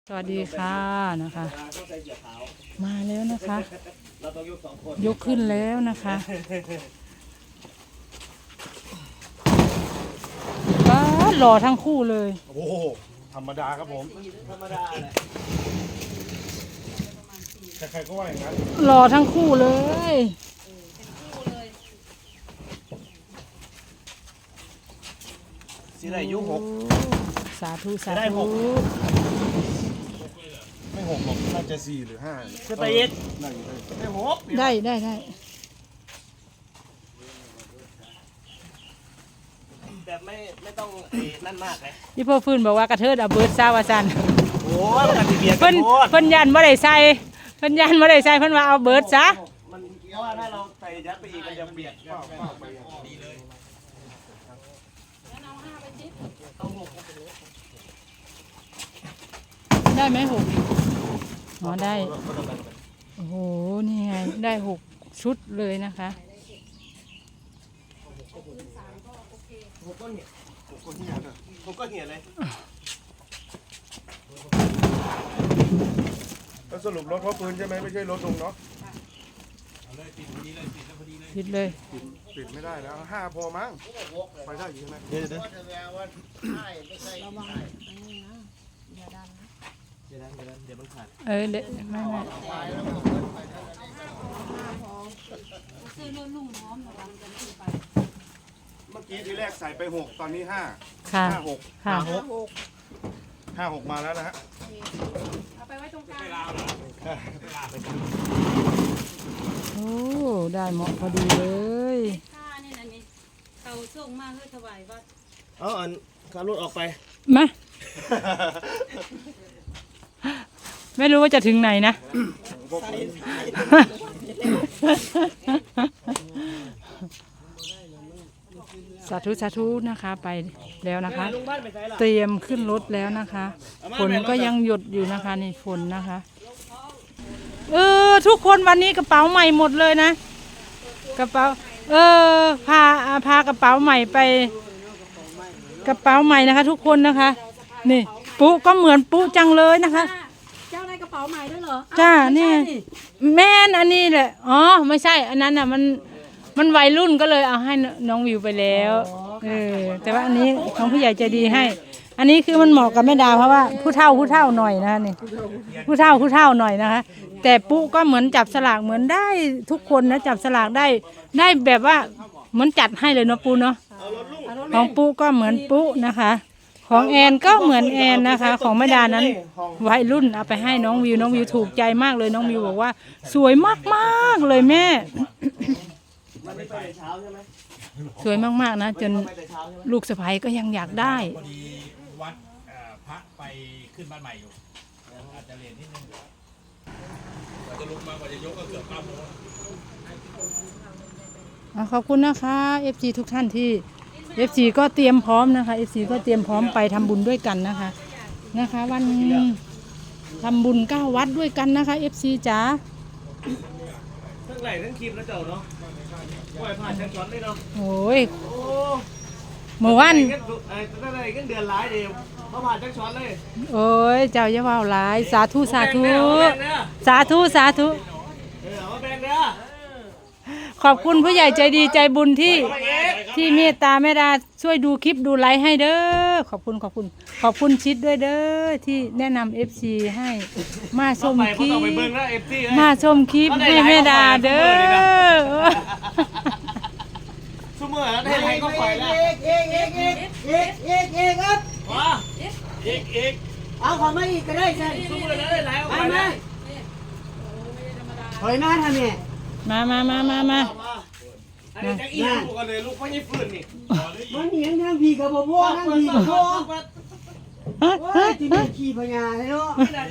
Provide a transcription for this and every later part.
สวัสดีค่ะนะคะ มาแล้วนะคะ ยกขึ้นแล้วนะคะว้าหล่อทั้งคู่เลยโอ้โหธรรมดาครับผมธรรมดาแหละใครๆก็ว่าอย่างนั้นหล่อทั้งคู่เลยสีได้ยุหกสาธุสาได้หธุก ไม่หกหรอกน่าจะ4 หรือ 5จะไปเอ็ดได้หกได้แบบไม่ต้องนั่นมากเลยพี่พ่อฟื้นบอกว่ากระเทิดเอาเบิร์ดซาวาซันโอ้ยมันติเบียร์กัเพิ่นนโคตรเพิ่นยันบ่ได้ใส่เพิ่นยันบ่ได้ใส่เพิ่นว่าเอาเบิร์ดซะมันเพราะว่าถ้าเราใส่ยัดไปอีกมันจะเบียดดีเลยได้ไหมหกอ๋อได้โอ้โหนี่ไงได้6 ชุดเลยนะคะผมก็เหี่ยเลยแล้วสรุปรถเพราะปืนใช่ไหมไม่ใช่รถลุงเนาะผิดเลยปิดไม่ได้แล้ว5พอมั้งไปได้อยู่ใช่ไหมเดี๋ยวมันขาดเด็กไม่เมื่อกี้ทีแรกใส่ไป6ตอนนี้5 ค่ะ 5 6 ค่ะ 5 6มาแล้วนะฮะโอ้ได้เหมาะพอดีเลยค่านี่นะนี่เขาส่งมาเพื่อถวายวัดเอาอันขับรถออกไปมาไม่รู้ว่าจะถึงไหนนะสาธุสาธุนะคะไปแล้วนะคะลุงบ้านไปไหนล่ะเตรียมขึ้นรถแล้วนะคะฝนก็ยังหยดอยู่นะคะนี่ฝนนะคะทุกคนวันนี้กระเป๋าใหม่หมดเลยนะกระเป๋าพากระเป๋าใหม่ไปกระเป๋าใหม่นะคะ ทุกคนนะคะนี่ปุ๊ก็เหมือนปุ๊จังเลยนะคะเจ้าได้กระเป๋าใหม่ด้วยเหรอจ้านี่แม่นอันนี้แหละอ๋อไม่ใช่อันนั้นอ่ะมันวัยรุ่นก็เลยเอาให้น้องวิวไปแล้วแต่ว่าอันนี้ของผู้ใหญ่ใจดีให้ อันนี้คือมันเหมาะกับแม่ดาเพราะว่าผู้เฒ่าหน่อยนะคะนี่ผู้เฒ่าหน่อยนะคะ แต่ปุ๊ก็เหมือนจับสลากเหมือนได้ทุกคนนะจับสลากได้แบบว่าเหมือนจัดให้เลยเนาะปุ๊เนาะของปุ๊ก็เหมือนปุ๊นะคะ ของแอนก็เหมือนแอนนะคะ ของแม่ดานั้นวัยรุ่นเอาไปให้น้องวิวถูกใจมากเลยน้องวิวบอกว่าสวยมากๆเลยแม่มันไม่ไปแต่เช้าใช่ไหมสวยมากๆนะจนไปแต่เช้าใช่ไหมลูกสะใภ้ก็ยังอยากได้พอดีวัดพระไปขึ้นบ้านใหม่อยู่อาจจะเรียนนิดนึงกว่าจะลงมากว่าจะยกก็เกือบ9 โมงขอบคุณนะคะ FC ทุกท่านที่ FC ก็เตรียมพร้อมนะคะ FC ก็เตรียมพร้อมไปทำบุญด้วยกันนะคะ วันทำบุญ9 วัดด้วยกันนะคะ FC จ๋าทั้งไหลทั้งครีมแล้วเจ้าเนาะปล่อยผ่านชั้นช้อนเลยเนาะโอ้ยโอ้เมื่อวันตั้งแต่เงินเดือนร้ายเดียวเขาผ่านชั้นช้อนเลยโอ้ยเจ้าอย่าว่าหลายสาธุสาธุเอาแบ่งเด้อสาธุเอามาแบ่งเด้อขอบคุณผู้ใหญ่ใจดีใจบุญที่เมตตาแม่ดาช่วยดูคลิปดูไลฟ์ให้เด้อขอบคุณชิดด้วยเด้อที่แนะนำ FC ให้มาชมคลิปไปเบิ่งแล้ว FT เอ้ยมาชมคลิปให้แม่ดาเด้อซุมื้อแล้วได้ไรก็ปล่อยแล้วครับว้าอีกเอาขอมาอีกก็ได้ใช่ซุมื้อแล้วได้ไรก็ปไปล่อยไหมแล้วถอยมาทำเนี่ยมาอันนี้จะอีกลูกกันเลยลูกไม่ใช่ฟืนนี่มันเหนียงทางพี่กับบ่บ่ทางพี่กับบ่โอ้ยที่มีขี่พญาเลยเนาะ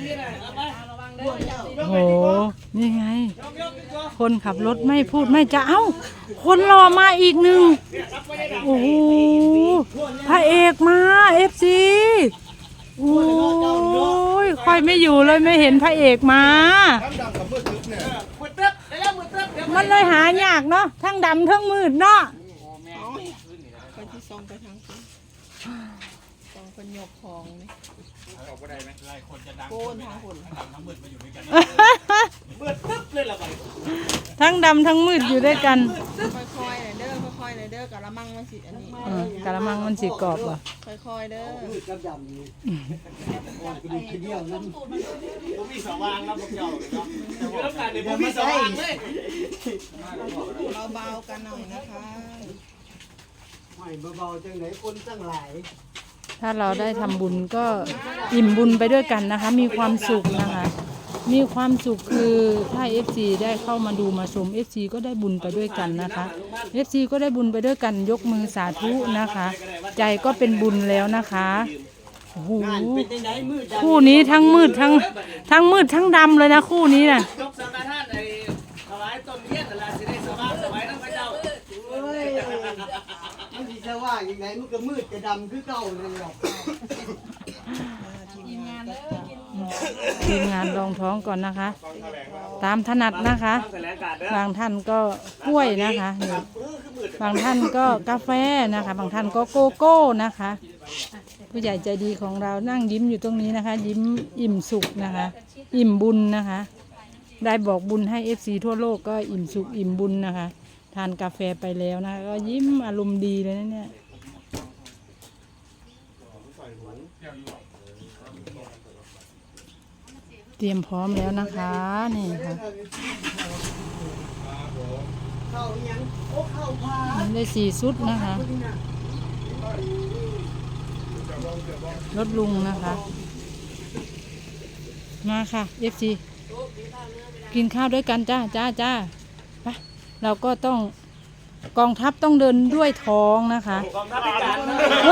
โหนี่ไง คนขับรถไม่พูดไม่จะเอ้าคนรอมาอีกหนึ่งโอ้โหพระเอกมา FC โอ้ยค่อยไม่อยู่เลยไม่เห็นพระเอกมาน้ำดำกับมืดทึบเนี่ยมืดเต๊บได้แล้วมืดเต๊บเดี๋ยวมันเลยหายากเนาะทั้งดำทั้งมืดเนาะไปที่ซองไปทางคุณซองเป็นหยกของนี่ออกก็ได้ไหมหลายคนจะดังโกนทางคนทั้งดำทั้งมืดมาอยู่ด้วยกันเบิดตึ๊บเลยล่ะไปทั้งดำทั้งมืดอยู่ด้วยกันค่อยๆเลยเด้อค่อยๆเลยเด้อกะละมังมันสิอันนี้กะละมังมันสีกรอบว่ะค่อยๆเด้อมืดกับดำนี่กระดูกเดียวนั่นผมมีสว่างแล้วพวกเจ้าเนาะอยู่รับการเนี่ยผมมีสว่างเลยเบาๆกันหน่อยนะคะไม่เบาๆจังไหนคนตั้งหลายถ้าเราได้ทำบุญก็อิ่มบุญไปด้วยกันนะคะ มีความสุขนะคะ มีความสุขคือถ้า FC ได้เข้ามาดูมาชม FC ก็ได้บุญไปด้วยกันนะคะ FC ก็ได้บุญไปด้วยกันยกมือสาธุนะคะ ใจก็เป็นบุญแล้วนะคะโอ้โหคู่นี้ทั้งมืดทั้งมืดทั้งดำเลยนะคู่นี้น่ะยกสังฆทานไอ้ถวายต้นเทียนอะไรสิได้สว่างสวยทั้งพระเจ้าเฮ้ยมันสิจะว่าอย่างไรมันก็มืดจะดำคือเก่าเลยหรอกทีมงานรองท้องก่อนนะคะ ตามถนัดนะคะแถลงการเด้อบางท่านก็กล้วยนะคะนี่บางท่านก็กาแฟนะคะ บางท่านก็โกโก้นะคะ ผู้ใหญ่ใจดีของเรานั่งยิ้มอยู่ตรงนี้นะคะ ยิ้มอิ่มสุขนะคะ อิ่มบุญนะคะ ได้บอกบุญให้ FC ทั่วโลกก็อิ่มสุขอิ่มบุญนะคะ ทานกาแฟไปแล้วนะคะก็ยิ้มอารมณ์ดีเลยนะเนี่ยเตรียมพร้อมแล้วนะคะนี่ค่ะเข้ายังโอ้เข้าพาได้4 ชุดนะคะรถลุงนะคะ มาค่ะ FC กินข้าวด้วยกันจ้าไปเราก็ต้องกองทัพต้องเดินด้วยท้องนะคะกองทัพพิการ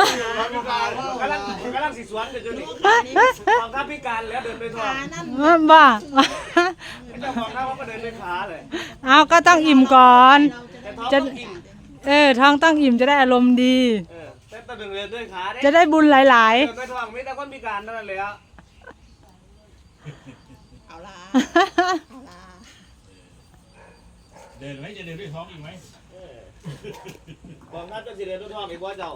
กำลังสิสวนกันอยู่นี่กองทัพพิการแล้วเดินไปทองบ้าเจ้ากองทัพเขาก็เดินด้วยขาเลยเอาก็ต้องอิ่มก่อนแต่ท้องต้องอิ่มท้องต้องอิ่มจะได้อารมณ์ดีแต่ต้องเดินด้วยขาเด้จะได้บุญหลายเดินด้วยท้องมีแต่คนพิการเท่านั้นเลยอ่ะเอาละๆเอาละเดินไหมจะเดินด้วยท้องอีกไหมกองทัพจะสิเดินด้วยท้องอีกว่าเจ้าก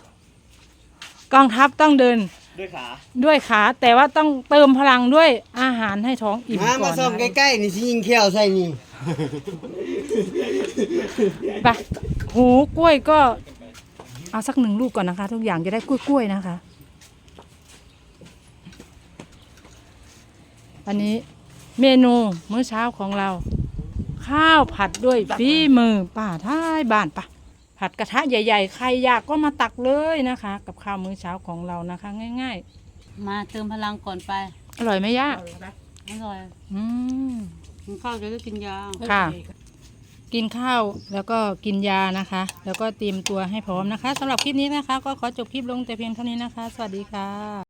องทัพต้องเดินด้วยขาด้วยขาแต่ว่าต้องเติมพลังด้วยอาหารให้ท้องอิ่มมาก่มาอนส่องใกล้ๆนี่สิยิงเขี้ยวใส่นี่ไปหูกล้วยก็เอาสัก1 ลูกก่อนนะคะ ทุกอย่างจะได้กล้วยๆนะคะ อันนี้เมนูมื้อเช้าของเรา ข้าวผัดด้วยฝีมือป้าท้ายบ้านปะผัดกระทะใหญ่ๆใครอยากก็มาตักเลยนะคะ กับข้าวมื้อเช้าของเรานะคะ ง่ายมาเติมพลังก่อนไปๆ อร่อยไหมย่าอร่อยอืมกินข้าวจะได้กินยาค่ะ กินข้าวแล้วก็กินยานะคะ แล้วก็เตรียมตัวให้พร้อมนะคะสำหรับคลิปนี้นะคะ ก็ขอจบคลิปลงแต่เพียงเท่านี้นะคะ สวัสดีค่ะ